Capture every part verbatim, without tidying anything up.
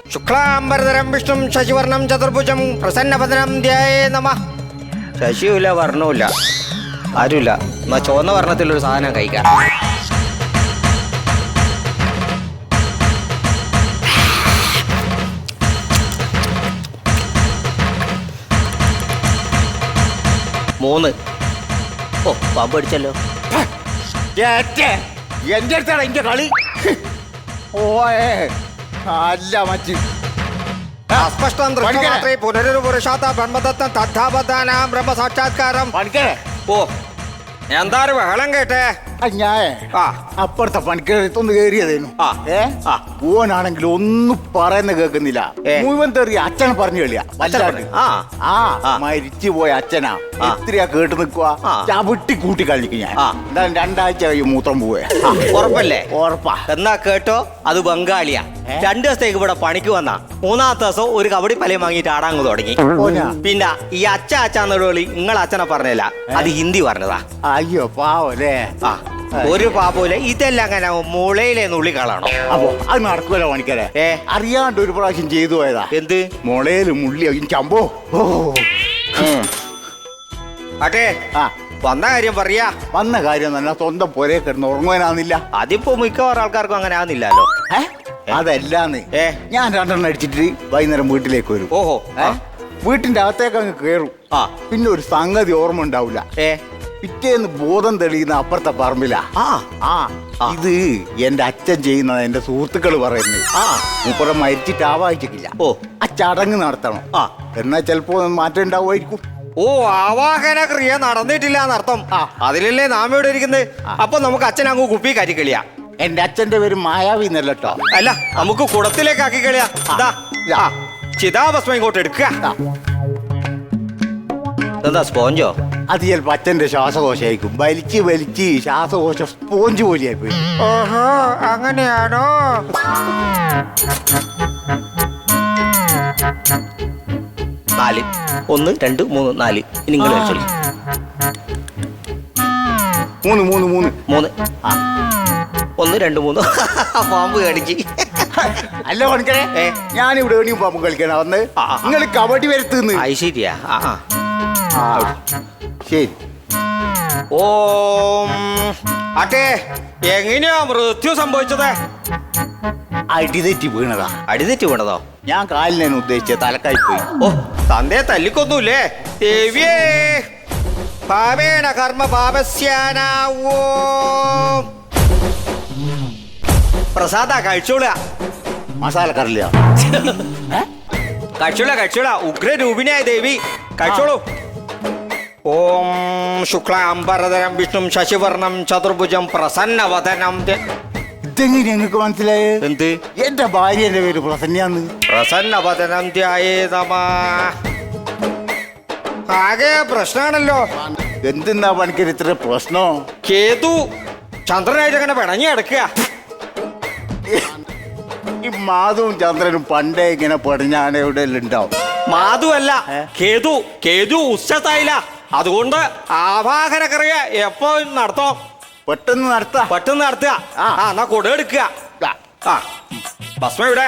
ശുക്ലാംബരധരം വിഷ്ണും ശശിവർണം ചതുർഭുജം പ്രസന്നവദനം ധ്യായേ നമഃ. ശശിയുമില്ല വർണ്ണവുമില്ല, ആരുമില്ല. എന്നാ ചുവന്ന വർണ്ണത്തിലൊരു സാധനം കഴിക്കാം. മൂന്ന്. ഓ പാമ്പ് അടിച്ചല്ലോ. എന്റെ അടുത്താണ് എന്റെ കളി. ഓയേ അല്ല മച്ചി അസ്പഷ്ടം ദൃശ്യമാത്രേ പുനരൊരു പുരുഷാത്ത ബ്രഹ്മദത്തം തദ്ധാബദ്ധാനാം ബ്രഹ്മസാക്ഷാത്കാരം. പണിക്കരെ ഓ എന്തായാലും ബഹളം കേട്ടേ. ഞാൻ ആ അപ്പുറത്തെ പണിക്കരത്തൊന്ന് കയറിയതേനു. ആ ഏ ആ ഓനാണെങ്കിൽ ഒന്നും പറയുന്ന കേൾക്കുന്നില്ല. ഏ. മുഴുവൻ തെറി അച്ഛനെ പറഞ്ഞു കളിയാ. വല്ലാണ്ട്. ആ ആ ആ. മരിച്ചു പോയ അച്ഛനാ ആ. എത്രയാ കേട്ട് നിക്കുവാ. ആ. ചവിട്ടി കൂട്ടി കളിക്കും ഞാൻ. ആ. എന്തായാലും രണ്ടാഴ്ച കഴിയും മൂത്രം പോവേ. ഉറപ്പല്ലേ? ഉറപ്പാ. എന്നാ കേട്ടോ, അത് ബംഗാളിയാ. രണ്ടു ദിവസത്തേക്ക് ഇവിടെ പണിക്ക് വന്ന മൂന്നാമത്തെ ദിവസം ഒരു കബഡി പലയും വാങ്ങിയിട്ട് ആടാങ്ങ് തുടങ്ങി. ഓനാ. പിന്നെ ഈ അച്ഛ അച്ഛന്ന് വിളി നിങ്ങളെ അച്ഛനെ പറഞ്ഞല്ല, അത് ഹിന്ദി പറഞ്ഞതാ. അയ്യോ പാവല്ലേ. ആ ഒരു പാപ്പൂല. ഇതെല്ലാം അങ്ങനെ മുളയിലെ നുള്ളി കളാണോ? അപ്പൊ അത് നടക്കുമല്ലോ പണിക്കരെ. ഏ അറിയാണ്ട് ഒരു പ്രാവശ്യം ചെയ്തു പോയതാ. എന്ത്? മുളയില് മുള്ളി ചമ്പോ. ഓ അട്ടെ ആ വന്ന കാര്യം പറയാ. വന്ന കാര്യം തന്നെ സ്വന്തം പൊരേ കിടന്ന് ഉറങ്ങുവാനാന്നില്ല. അതിപ്പോ മിക്കവാറും ആൾക്കാർക്കും അങ്ങനെ ആവുന്നില്ലല്ലോ. ഏ അതല്ലാന്ന്. ഏ ഞാൻ രണ്ടെണ്ണം അടിച്ചിട്ട് വൈകുന്നേരം വീട്ടിലേക്ക് വരും. ഓഹോ. ഏ വീട്ടിന്റെ അകത്തേക്ക് അങ്ങ് കയറും. ആ പിന്നെ ഒരു സംഗതി ഓർമ്മ ഉണ്ടാവില്ല. ഏ പിറ്റേന്ന് ബോധം തെളിയുന്ന അപ്പുറത്തെ പറമ്പിലാ. ആ ആ ഇത് എന്റെ അച്ഛൻ ചെയ്യുന്നത് എന്റെ സുഹൃത്തുക്കൾ പറയുന്നത്. ആ മൂപ്പുറം മരിച്ചിട്ട് ആവാഹിച്ചിട്ടില്ല. ഓ ആ ചടങ്ങ് നടത്തണം. ആ എന്നാ ചിലപ്പോ മാറ്റം ഉണ്ടാവുമായിരിക്കും. ഓ ആവാഹന ക്രിയ നടന്നിട്ടില്ല എന്നർത്ഥം. ആ. അതിലല്ലേ നാം ഇവിടെ ഇരിക്കുന്നത്. അപ്പൊ നമുക്ക് അച്ഛൻ അങ്ങ് കുപ്പി കയറ്റി കളിയാ. എന്റെ അച്ഛന്റെ പേര് മായാവി എന്നല്ലോ. അല്ല നമുക്ക് കുടത്തിലേക്ക് ആക്കി കളിയാ. ദാ, ആ, ചിതാഭസ്മം ഇങ്ങോട്ട് എടുക്കുക. എന്താ സ്പോഞ്ചോ? അത് ചിലപ്പോ അച്ഛന്റെ ശ്വാസകോശമായിരിക്കും. വലിച്ച് വലിച്ച് ശ്വാസകോശ സ്പോഞ്ച് പോലെയായി പോയി. ഓഹോ അങ്ങനെയാണോ? നാല്. ഒന്ന് രണ്ട് മൂന്ന് നാല്. ഇനി നിങ്ങൾ കളിച്ചോളി. മൂന്ന് മൂന്ന് മൂന്ന് മൂന്ന്. ആ ഒന്ന് രണ്ട് മൂന്ന്. പാമ്പ് കടിച്ച്. അല്ല പണിക്കരെ. ഏ? ഞാനിവിടെ എവിടെയും പാമ്പ് കളിക്കാനാ വന്ന്. ആ, ആ. നിങ്ങൾ കബഡി വരുത്തുന്നു. അത് ശരിയാ. ആ ആ ആ ശരി. ഓം അട്ടെ എങ്ങനെയാ മൃത്യു സംഭവിച്ചത്? അടിതെറ്റി വീണതാ. അടിതെറ്റി വീണതോ? ഞാൻ കാലിനാണ് ഉദ്ദേശിച്ചത്. തലക്കായി പോയി. ഓ തന്തേ തല്ലിക്കൊന്നൂല്ലേ? ദേവിയേ പാപേണ കർമ്മ പാപസ്യാനാവോ. പ്രസാദ കഴിച്ചോളുക. മസാല കറില്ല. കഴിച്ചോളാ കഴിച്ചോളാ. ഉഗ്രരൂപിണിയായ ദേവി കഴിച്ചോളൂ. ഓം ശുക്ലാംബരധരം വിഷ്ണും ശശിവർണം ചതുർഭുജം പ്രസന്നവദനം. ഇതെങ്ങനെ ഞങ്ങൾക്ക് മനസ്സിലായത്? എന്ത്? എന്റെ ഭാര്യന്റെ പേര് പ്രസന്നയാന്ന്. പ്രസന്നവദനം ധ്യായേ നമഃ. ആകെ പ്രശ്നമാണല്ലോ. എന്തെന്നാ പണിക്കര് ഇത്ര പ്രശ്നോ? കേതു ചന്ദ്രനായിട്ട് അങ്ങനെ പിണങ്ങി കിടക്കുക. ഈ മാധവും ചന്ദ്രനും പണ്ടേ ഇങ്ങനെ പടിഞ്ഞാണ് എവിടെ ഉണ്ടാവും. മാധു അല്ല കേതു. കേതു ഉച്ചത്തായില്ല. അതുകൊണ്ട് ആവാഹന ക്രിയ എപ്പോ നടത്തോ? പെട്ടെന്ന് നടത്താ. പെട്ടെന്ന് നടത്തുക. ആ. ആ എന്നാ കൊട എടുക്കുക. ആ ഭസ്മ ഇവിടെ.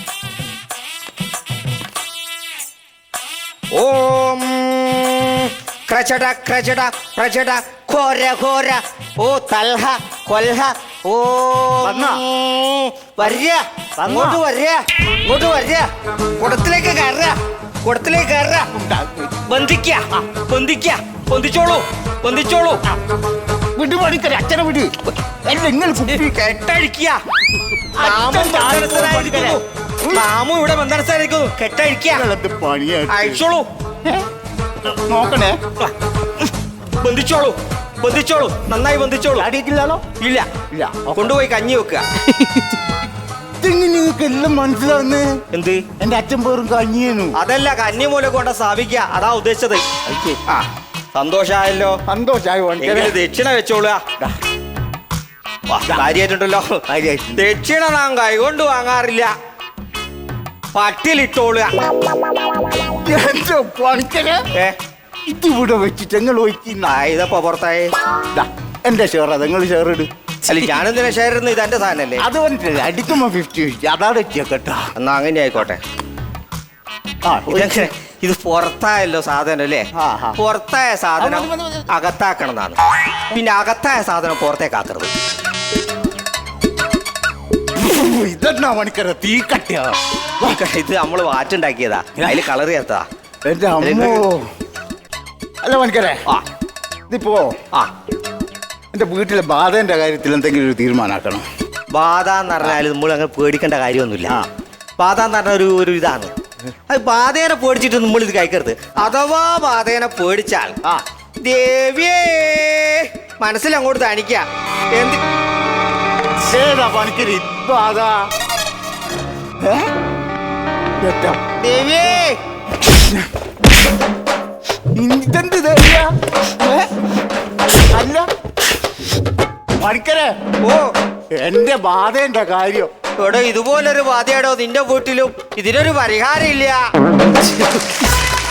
ഓം ക്രചട ക്രചട പ്രചട ഘോര ഘോര. ഓ തൽഹ കൊൽഹ. ഓ വന്നോ? വര്യ അങ്ങോട്ട് വര്യ. ഇങ്ങോട്ട് വര്യ. കുടത്തിലേക്ക് കയറുക. കുടത്തിലേക്ക് കയറുക. ബന്ധിക്ക ബന്ധിക്ക. ബന്ധിച്ചോളൂ ബന്ധിച്ചോളൂ. വിട് പണിക്കര്. അച്ഛനെ വിട്. നിങ്ങൾ കെട്ടഴിക്കുക. നാമും ഇവിടെ ബന്ധനസ്ഥാനിരിക്കുന്നു. കെട്ടഴിക്കുക. പണിയാ. അഴിച്ചോളൂ. നോക്കണേ. ബന്ധിച്ചോളൂ ബന്ധിച്ചോളൂ. നന്നായി ബന്ധിച്ചോളൂ. അടിയിട്ടില്ലാലോ? ഇല്ല ഇല്ല. കൊണ്ടുപോയി കഞ്ഞി വെക്കുക. ഇതെങ്ങനെ നിങ്ങൾക്ക് എല്ലാം മനസ്സിലാവുന്നേ? എന്ത്? എന്റെ അച്ഛൻ പേരും കഞ്ഞിയേനു. അതല്ല കഞ്ഞി മൂലം കൊണ്ട് സ്ഥാപിക്കുക. അതാ ഉദ്ദേശിച്ചത്. ആ സന്തോഷായല്ലോ. സന്തോഷായി. എങ്കിലും ദക്ഷിണ വെച്ചോളുക. കാര്യായിട്ടുണ്ടല്ലോ. ദക്ഷിണ നാം കൈകൊണ്ട് വാങ്ങാറില്ല. പട്ടിലിട്ടോളുക. എന്റെ പണിക്കര് ഏ ഇതിവിടെ വെച്ചിട്ട് ഞങ്ങൾ ഒഴിക്കുന്ന ഇതപ്പോ പുറത്തായി. എന്റെ ഷെയർ നിങ്ങൾ ഷെയർ ഇട്. അല്ല ഞാനെന്തിനാ ഷെയർ ഇടുന്നത്? ഇത് എന്റെ സാധനല്ലേ? അത് പറഞ്ഞിട്ടില്ല, അടിക്കുമ്പോ ഫിഫ്റ്റി ഫിഫ്റ്റി അതാണ് കേട്ടോ. എന്നാ അങ്ങനെ ആയിക്കോട്ടെ. ആ ഇതെങ്ങനെ ഇത് പുറത്തായല്ലോ സാധനം അല്ലേ? ആ, ആ. പുറത്തായ സാധനം മതി, മതി, മതി. അകത്താക്കണം എന്നാണ്. പിന്നെ അകത്തായ സാധനം പുറത്തേക്ക് ആക്കരുത്. ഇതെന്നാ മണിക്കര തീ കട്ടിയാ. ഇത് നമ്മള് വാറ്റുണ്ടാക്കിയതാ, അതില് കളർ ചേർത്തതാ. എന്റെ അമ്മോ. അല്ല മണിക്കരെ, ആ ഇതിപ്പോ ആ എന്റെ വീട്ടിലെ ബാധേന്റെ കാര്യത്തിൽ എന്തെങ്കിലും ഒരു തീരുമാനമാക്കണം. ബാധ എന്ന് പറഞ്ഞാൽ നമ്മൾ അങ്ങനെ പേടിക്കേണ്ട കാര്യമൊന്നുമില്ല. ആ. ബാധ എന്ന് പറഞ്ഞ ഒരു ഒരു ഇതാണ്. അത് ബാധേനെ പേടിച്ചിട്ട് നമ്മൾ ഇത് കഴിക്കരുത്. അഥവാ ബാധേനെ പേടിച്ചാൽ ആ ദേവിയേ മനസ്സിൽ അങ്ങോട്ട് തണിക്ക. എന്ത് ഏതാ പണിക്കരി ബാധ? ഏ? എത്താ? ദേവിയേ ഇതെന്ത് ദേവിയാ? ഏ? അല്ല മണിക്കരെ, ഓ എന്റെ ബാധേന്റെ കാര്യം. ഇവിടെ ഇതുപോലൊരു ബാധയാടോ നിന്റെ വീട്ടിലും? ഇതിനൊരു പരിഹാരം ഇല്ല.